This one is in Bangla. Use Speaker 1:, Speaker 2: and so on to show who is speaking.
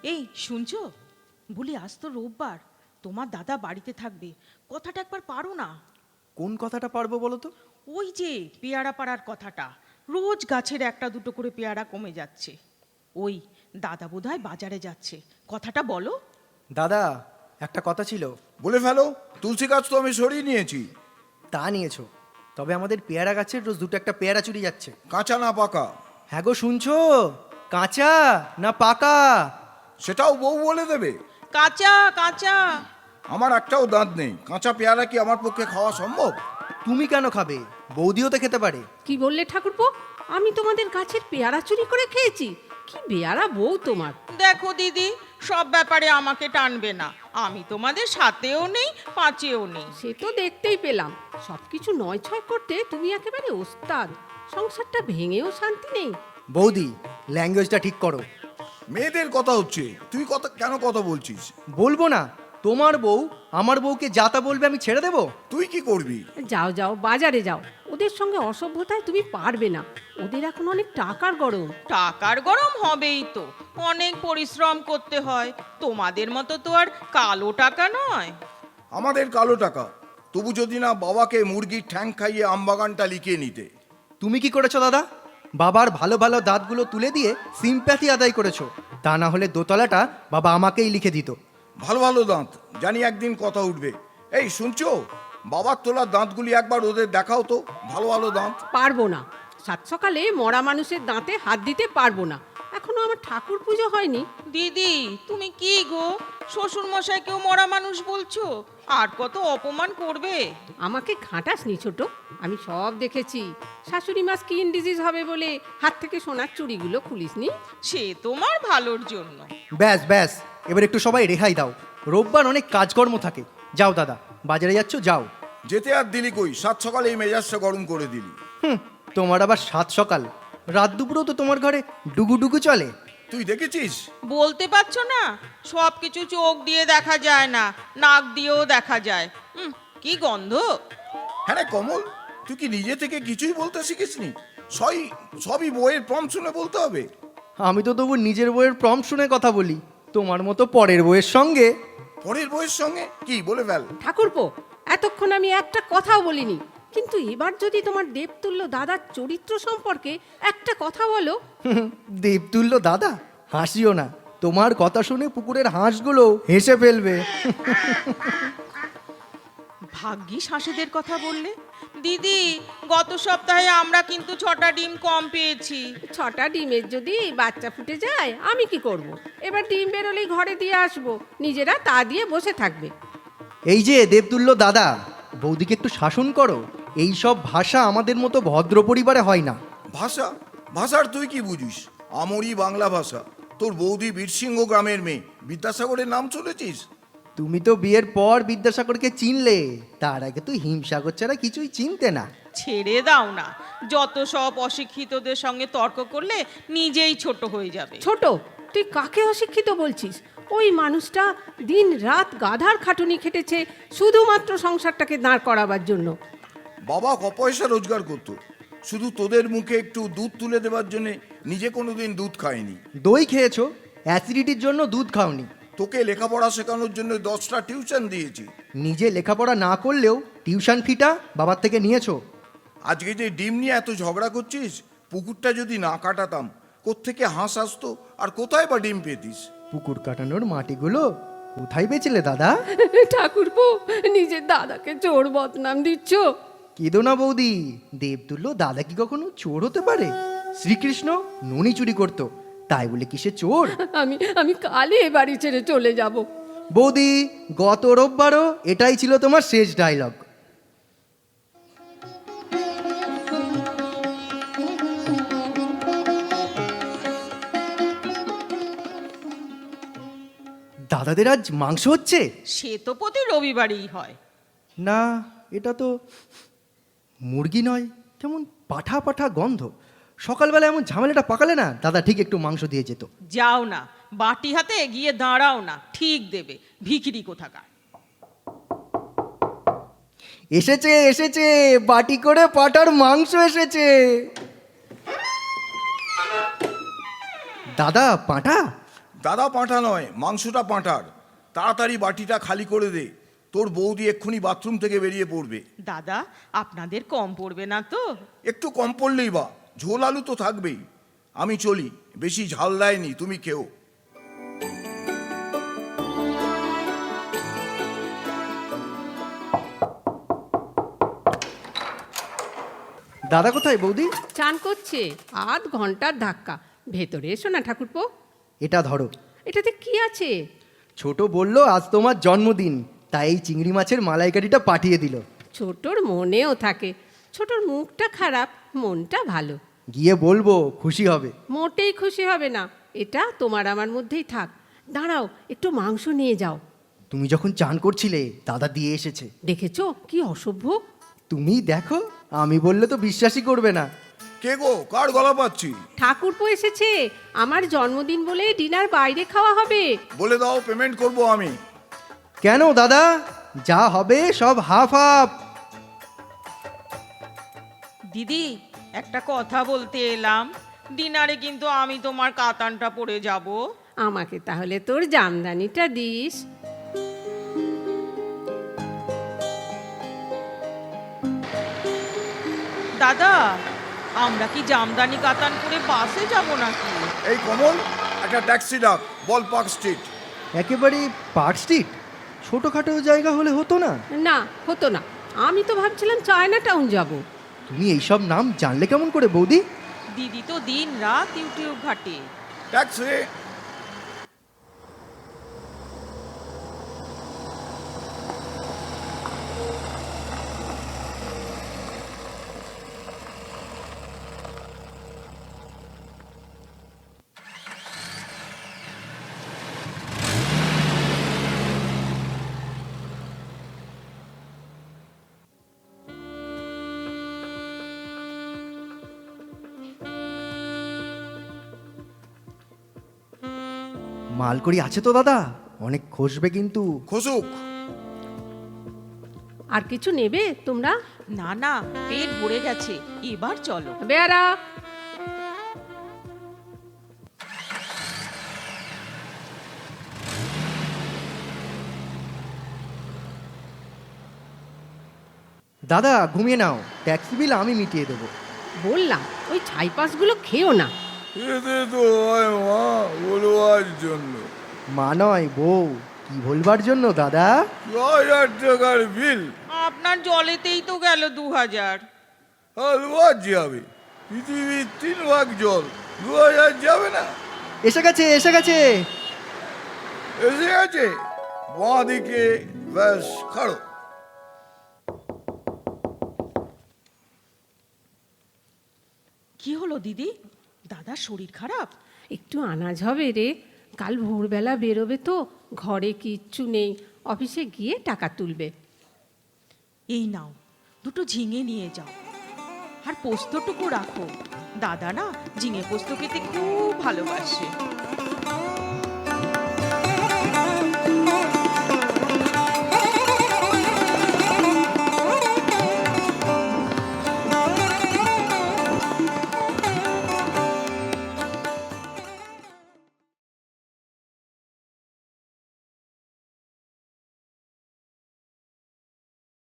Speaker 1: এই শুনছো, বলি আজ তো রোববার, তোমার দাদা বাড়িতে থাকবে, কথাটা একবার পারো না?
Speaker 2: কোন কথাটা পারবো বলো তো?
Speaker 1: ওই যে পেয়ারা পাড়ার কথাটা, রোজ গাছের একটা দুটো করে পেয়ারা কমে যাচ্ছে। ওই দাদা বোধহয় বাজারে যাচ্ছে, কথাটা বলো।
Speaker 2: দাদা, একটা কথা ছিল।
Speaker 3: বলে ফেলো। তুলসী গাছ তো আমি সরিয়ে নিয়েছি।
Speaker 2: তা নিয়েছো, তবে আমাদের পেয়ারা গাছের রোজ দুটো একটা পেয়ারা চুরি যাচ্ছে।
Speaker 3: কাঁচা না পাকা?
Speaker 2: হ্যাঁ গো, শুনছো? কাঁচা না পাকা?
Speaker 3: সেটাও বউ বলে দেবে?
Speaker 1: কাঁচা কাঁচা।
Speaker 3: আমার একটাও দাঁত নেই, কাঁচা পেয়ারা কি আমার পক্ষে খাওয়া সম্ভব?
Speaker 2: তুমি কেন খাবে? বৌদিও তো খেতে পারে।
Speaker 4: কি বললে ঠাকুরপো? আমি তোমাদের গাছের পেয়ারা চুরি করে খেয়েছি? কি বেয়ারা বউ তোমার!
Speaker 1: দেখো দিদি, সব ব্যাপারে আমাকে টানবে না, আমি তোমাদের সাথেও নেই পাঁচেও নেই।
Speaker 4: সে তো দেখতেই পেলাম, সবকিছু নয় ছয় করতে তুমি একেবারে ওস্তাদ। সংসারটা ভেঙেও শান্তি নেই।
Speaker 2: বৌদি, ল্যাঙ্গুয়েজটা ঠিক করো।
Speaker 3: মেয়েদের কথা হচ্ছে, তুই কেন কথা বলছিস?
Speaker 2: বলবো না? তোমার বউ আমার বউকে যাতা বলবে, আমি ছেড়ে দেবো?
Speaker 3: তুই কি করবি?
Speaker 4: যাও যাও, বাজারে যাও। ওদের সঙ্গে অসভ্যতায় তুমি পারবে না। ওদের এখন অনেক টাকার গরম।
Speaker 1: টাকার গরম হবেই তো, অনেক পরিশ্রম করতে হয়, তোমাদের মতো তো আর কালো টাকা নয়।
Speaker 3: আমাদের কালো টাকা, তবু যদি না বাবাকে মুরগির ঠ্যাং খাইয়ে আমবাগানটা লিখিয়ে নিতে।
Speaker 2: তুমি কি করেছো দাদা? বাবার ভালো ভালো দাঁতগুলো তুলে দিয়ে সিম্প্যাথি আদায় করেছো। তা না হলে দোতলাটা বাবা আমাকেই লিখে দিত।
Speaker 3: ভালো ভালো দাঁত, জানি একদিন কথা উঠবে। এই শুনছো, বাবার তোলা দাঁতগুলি একবার ওদের দেখাও তো, ভালো ভালো দাঁত।
Speaker 4: পারবো না। সাত সকালে মরা মানুষের দাঁতে হাত দিতে পারবো না। এখনো আমার ঠাকুর পুজো হয়নি।
Speaker 1: দিদি তুমি কি গো, শ্বশুর মশাইকেও মরা মানুষ বলছো? আর কত অপমান করবে?
Speaker 4: আমাকে ঘাঁটাসনি ছোট, আমি সব দেখেছি। শাশুড়ি মা স্কিন ডিজিজ হবে বলে হাত থেকে সোনার চুড়িগুলো খুলিসনি।
Speaker 1: সে তোমার ভালোর জন্য।
Speaker 2: ব্যাস ব্যাস, এবার একটু সবাই রেহাই দাও। রোববার অনেক কাজকর্ম থাকে। যাও দাদা, বাজারে যাচ্ছ, যাও।
Speaker 3: যেতে আর দিলি কই, সাত সকালে এই মেজাজটা গরম করে দিলি।
Speaker 2: তোমার আবার সাত সকাল, রাত দুপুরেও তো তোমার ঘরে ডুগু ডুগু চলে।
Speaker 3: তুই দেখেছিস?
Speaker 1: বলতে পারছো না, সব কিছু চোখ দিয়ে দেখা যায় না, নাক দিয়েও দেখা যায়। কি গন্ধ!
Speaker 3: হ্যাঁ রে কমল, তুই কি নিজে থেকে কিছুই বলতে শিখিসনি? সবই বইয়ের প্রম শুনে বলতে হবে?
Speaker 2: আমি তো তবু নিজের বইয়ের প্রম শুনে কথা বলি, তোমার মতো পরের বইয়ের সঙ্গে।
Speaker 3: পরের বইয়ের সঙ্গে কি বলে ফেল।
Speaker 4: ঠাকুরপো, এতক্ষণ আমি একটা কথাও বলিনি, কিন্তু এবার যদি তোমার দেবতুল্য দাদার চরিত্র সম্পর্কে একটা কথা বলো।
Speaker 2: দেবতুল্য দাদা? হাসিও না, তোমার কথা শুনে পুকুরের হাঁসগুলো হেসে ফেলবে।
Speaker 1: ভাগ্যিস হাঁসেদের কথা বললে। দিদি, গত সপ্তাহে আমরা কিন্তু 6টা ডিম কম পেয়েছি।
Speaker 4: 6টা ডিমের যদি বাচ্চা ফুটে যায় আমি কি করব? এবার ডিম বেরোলেই ঘরে দিয়ে আসবো, নিজেরা তা দিয়ে বসে থাকবে।
Speaker 2: এই যে দেবতুল্য দাদা, বৌদিকে একটু শাসন করো। এই সব ভাষা আমাদের মতো ভদ্র পরিবারে হয় না।
Speaker 3: ভাষার তুই কি বুঝিস? আমরই বাংলা ভাষা। তোর বৌদি বীরসিংহ গ্রামের মেয়ে, বিদ্যাসাগরের নাম শুনেছিস?
Speaker 2: তুমি তো বিয়ের পর বিদ্যাসাগরকে চিনলে, তার আগে তুই হিমসাগর ছাড়া কিছুই চিনতে না।
Speaker 1: ছেড়ে দাও না, যত সব অশিক্ষিতদের সঙ্গে তর্ক করলে নিজেই ছোট হয়ে যাবে।
Speaker 4: ছোট? তুই কাকে অশিক্ষিত বলছিস? ওই মানুষটা দিন রাত গাধার খাটুনি খেটেছে শুধুমাত্র সংসারটাকে দাঁড় করাবার জন্য।
Speaker 3: বাবা পয়সা রোজগার করতো, শুধু তোদের মুখে একটু দুধ তুলে দেওয়ার জন্য নিজে কোনোদিন দুধ খায়নি।
Speaker 2: দই খেয়েছো, অ্যাসিডিটির জন্য দুধ খাওনি।
Speaker 3: তোকে লেখাপড়া শেখানোর জন্য 10টা টিউশন দিয়েছি।
Speaker 2: নিজে লেখাপড়া না করলেও টিউশন ফিটা বাবার থেকে নিয়েছো।
Speaker 3: আজকে যে ডিম নিয়ে এত ঝগড়া করছিস, পুকুরটা যদি না কাটাতাম, কোত্থেকে হাঁস আসতো আর কোথায় বা ডিম পেতিস?
Speaker 2: পুকুর কাটানোর মাটিগুলো কোথায় বেচলে দাদা?
Speaker 4: ঠাকুরপো, নিজের দাদাকে চোর বদনাম দিচ্ছ।
Speaker 2: কেঁদো না বৌদি, দেবতুল্য দাদা কি কখনো চোর হতে পারে? শ্রীকৃষ্ণ ননি চুরি করতো, তাই বলে কি সে চোর?
Speaker 4: আমি কালই এ বাড়ি ছেড়ে চলে যাব।
Speaker 2: বৌদি, গত রোববারও এটাই ছিল তোমার শেষ ডায়লগ। দাদাদের আজ মাংস হচ্ছে?
Speaker 1: সে তো প্রতি রবিবারই হয়।
Speaker 2: না, এটা তো মুরগি নয়, কেমন পাঠা পাঠা গন্ধ। সকালবেলা এমন ঝামেলাটা পাকালে না দাদা ঠিক একটু মাংস দিয়ে যেত।
Speaker 1: যাও না, বাটি হাতে এগিয়ে দাঁড়াও না, ঠিক দেবে ভিখিরি কোথাকার।
Speaker 2: এসেছে এসেছে, বাটি করে পাঠার মাংস এসেছে। দাদা, পাঁঠা?
Speaker 3: দাদা পাঁঠা নয়, মাংসটা পাঁঠার। তাড়াতাড়ি বাটিটা খালি করে দে, তোর বৌদি এক্ষুনি বাথরুম থেকে বেরিয়ে পড়বে।
Speaker 1: দাদা, আপনাদের কম পড়বে না তো?
Speaker 3: একটু কম পড়লেই বা, ঝোল আলু তো থাকবেই। আমি চলি, বেশি ঝাল দেয়নি, তুমি খেও।
Speaker 2: দাদা কোথায় বৌদি?
Speaker 4: চান করছে, আধ ঘন্টার ধাক্কা। ভেতরে এসো না ঠাকুরপো।
Speaker 2: এটা ধরো।
Speaker 4: এটাতে কি আছে?
Speaker 2: ছোট বলল আজ তোমার জন্মদিন, তাই এই চিংড়ি মাছের মালাইকারিটা পাঠিয়ে দিল।
Speaker 4: ছোটর মনেও থাকে। ছোটর মুখটা খারাপ, মনটা ভালো।
Speaker 2: গিয়ে বলবো, খুশি হবে।
Speaker 4: মোটেই খুশি হবে না। এটা তোমার আমার মধ্যেই থাক। দাঁড়াও, একটু মাংস নিয়ে যাও।
Speaker 2: তুমি যখন চান করছিলে দাদা দিয়ে এসেছে।
Speaker 4: দেখেছো কি অসভ্য?
Speaker 2: তুমি দেখো, আমি বললে তো বিশ্বাসই করবে না।
Speaker 3: কে গো, কার গলা পাচ্ছি?
Speaker 4: ঠাকুরপো এসেছে। আমার জন্মদিন বলে ডিনার বাইরে খাওয়া হবে।
Speaker 3: বলে দাও, পেমেন্ট করব আমি।
Speaker 2: কেন দাদা, যা হবে সব হাফ হাফ।
Speaker 1: দিদি, একটা কথা বলতে এলাম। ডিনারে কিন্তু আমি তোমার কাতানটা পরে যাব।
Speaker 4: আমাকে তাহলে তোর জামদানিটা দিস।
Speaker 1: দাদা, আমরা কি জামদানি কাতান পরে বাসে যাব নাকি?
Speaker 3: এই কমল, একটা ট্যাক্সি ডাক, বল পার্ক স্ট্রিট।
Speaker 2: একেবারে পার্ক স্ট্রিট? ছোটোখাটো জায়গা হলে হতো না?
Speaker 4: না, হতো না। আমি তো ভাবছিলাম চায়না টাউন যাব।
Speaker 2: তুমি এইসব নাম জানলে কেমন করে বৌদি?
Speaker 1: দিদি তো দিন রাত ইউটিউব ঘাটে।
Speaker 3: ট্যাক্সি।
Speaker 2: মালকড়ি আছে তো দাদা? অনেক খসবে কিন্তু।
Speaker 3: খসুক।
Speaker 4: আর কিছু নেবে তোমরা?
Speaker 1: না না, পেট ভরে গেছে, এবার চলো।
Speaker 4: বেয়ারা।
Speaker 2: দাদা ঘুমিয়ে নাও, ট্যাক্সি বিল আমি মিটিয়ে দেবো।
Speaker 4: বললাম ওই ছাইপাসগুলো খেও না।
Speaker 3: এতে তো হয় মা, বলবার জন্য।
Speaker 2: মা নয় বউ, কি বলবার জন্য দাদা?
Speaker 3: 1000 টাকার বিল।
Speaker 1: আপনার জলেতেই তো গেল 2000।
Speaker 3: হালবাদ যাবে, পৃথিবীর 3 ভাগ জল, 2000 যাবে না?
Speaker 2: এসে গেছে এসে গেছে।
Speaker 3: এসে গেছে, বাঁ দিকে, ব্যাস খাড়ো।
Speaker 1: কি হলো দিদি? দাদার শরীর খারাপ?
Speaker 4: একটু আনাজ হবে রে। কাল ভোরবেলা বেরোবে তো, ঘরে কিচ্ছু নেই। অফিসে গিয়ে টাকা তুলবে।
Speaker 1: এই নাও, দুটো ঝিঙে নিয়ে যাও, আর পোস্তটুকু রাখো। দাদা না ঝিঙে পোস্ত খেতে খুব ভালোবাসে।